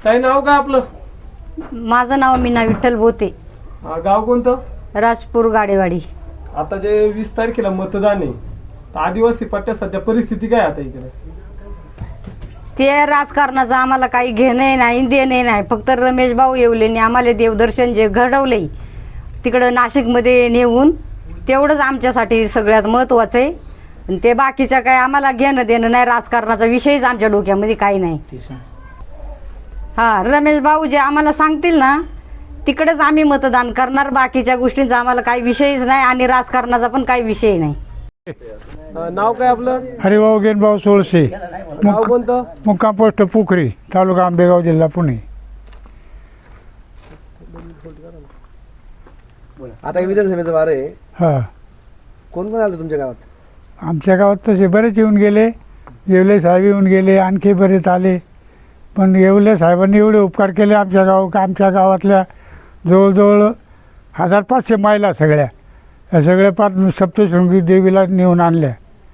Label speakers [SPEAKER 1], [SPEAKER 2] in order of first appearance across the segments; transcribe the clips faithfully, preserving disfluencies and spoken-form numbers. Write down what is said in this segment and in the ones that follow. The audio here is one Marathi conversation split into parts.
[SPEAKER 1] ताई नाव काय आपलं?
[SPEAKER 2] माझं नाव मीना विठ्ठल बोते.
[SPEAKER 1] हा, गाव कोणतं?
[SPEAKER 2] राजपूर गाडेवाडी.
[SPEAKER 1] आता जे वीस तारखेला मतदान आहे, तर आदिवासी पट्ट्यात सध्या परिस्थिती काय आता इकडे?
[SPEAKER 2] ते राजकारणाचं आम्हाला काही घेणं नाही देणे नाही. फक्त रमेश भाऊ येवलेने आम्हाला देवदर्शन जे घडवले तिकडं नाशिकमध्ये नेऊन तेवढंच आमच्यासाठी सगळ्यात महत्त्वाचं आहे. आणि ते बाकीचं काय आम्हाला घेणं देणं नाही. राजकारणाचा विषयच आमच्या डोक्यामध्ये काही नाही. हा, रमेश भाऊ जे आम्हाला सांगतील ना तिकडेच आम्ही मतदान करणार. बाकीच्या गोष्टींचा आम्हाला काही विषयच नाही आणि राजकारणाचा पण काही विषय नाही.
[SPEAKER 1] नाव काय आपलं?
[SPEAKER 3] हरिभाऊ गेनभाऊ सोळसे.
[SPEAKER 1] गाव कोणतं?
[SPEAKER 3] मुक्काम पोस्ट पुखरी, तालुका आंबेगाव, जिल्हा पुणे.
[SPEAKER 4] आता विधानसभेचं वार आहे,
[SPEAKER 3] हा,
[SPEAKER 4] कोण कोण आलं तुमच्या गावात?
[SPEAKER 3] आमच्या गावात तसे बरेच येऊन गेले. येवले साहेब येऊन गेले, आणखी बरेच आले. पण येवले साहेबांनी एवढे उपकार केले आमच्या गाव आमच्या गावातल्या जवळजवळ हजार पाचशे महिला सगळ्या या सगळ्या पाच सप्तशृंगी देवीला नेऊन आणल्या.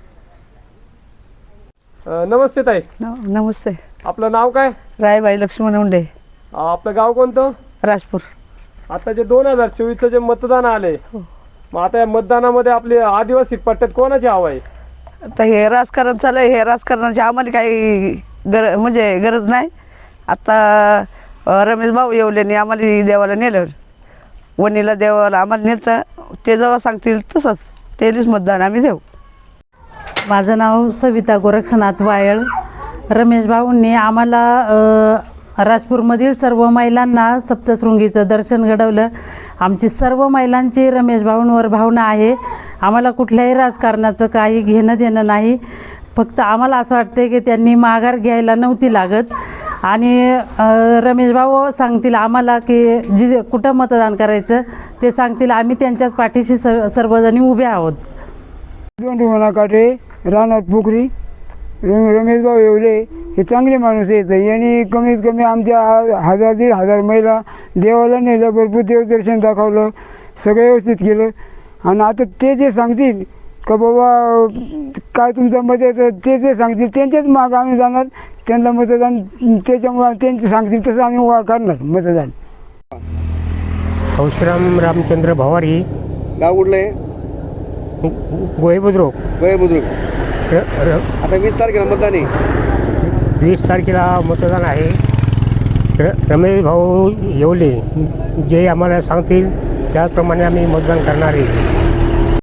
[SPEAKER 1] अ, नमस्ते ताई.
[SPEAKER 5] नमस्ते.
[SPEAKER 1] आपलं नाव काय?
[SPEAKER 5] रायबाई लक्ष्मण उंडे,
[SPEAKER 1] आपलं गाव कोणतं?
[SPEAKER 5] राजपूर.
[SPEAKER 1] आता जे दोन हजार चोवीसचं जे मतदान आले, मग आता या मतदानामध्ये आपले आदिवासी पट्ट्यात कोणाची हवा आहे?
[SPEAKER 5] आता हे राजकारण चालू आहे. हे राजकारणाची आम्हाला काही गर म्हणजे गरज नाही. आता रमेश भाऊ येवलेने आम्हाला देवाला नेलं, वणीला देवाला आम्हाला नेतं. ते जेव्हा सांगतील तसंच तेच मतदान आम्ही देऊ.
[SPEAKER 6] माझं नाव सविता गोरक्षनाथ वायळ. रमेश भाऊंनी आम्हाला अ, राजपूरमधील सर्व महिलांना सप्तशृंगीचं दर्शन घडवलं. आमची सर्व महिलांची रमेश भाऊंवर भावना आहे. आम्हाला कुठल्याही राजकारणाचं काही घेणं देणं नाही. फक्त आम्हाला असं वाटतं की त्यांनी माघार घ्यायला नव्हती लागत. आणि रमेश भाऊ सांगतील आम्हाला की जी कुठं मतदान करायचं ते सांगतील, आम्ही त्यांच्याच पाठीशी सर्व सर्वजणी उभे आहोत.
[SPEAKER 3] दोन काटे राहणार पुखरी. रम रमेश भाऊ येवले हे चांगले माणूस आहेत. यांनी कमीत कमी आमच्या हजार दीड हजार महिला देवाला नेलं, भरपूर देवदर्शन दाखवलं, सगळं व्यवस्थित केलं. आणि आता ते जे सांगतील का बाबा काय तुमचं मत आहे, तर ते जे सांगतील त्यांच्याच मागं आम्ही जाणार. त्यांना मतदान त्याच्यामुळे त्यांचे सांगतील तसं आम्ही वा करणार मतदान.
[SPEAKER 7] हौशराम रामचंद्र भवारी,
[SPEAKER 4] गाव कुठलं आहे?
[SPEAKER 7] गोहे बुद्रुक.
[SPEAKER 4] वय बुद्रुक.
[SPEAKER 7] र र
[SPEAKER 4] आता वीस तारखेला मतदान आहे.
[SPEAKER 7] वीस तारखेला मतदान आहे. र रमेश भाऊ येवले जे आम्हाला सांगतील त्याचप्रमाणे आम्ही मतदान करणार आहे.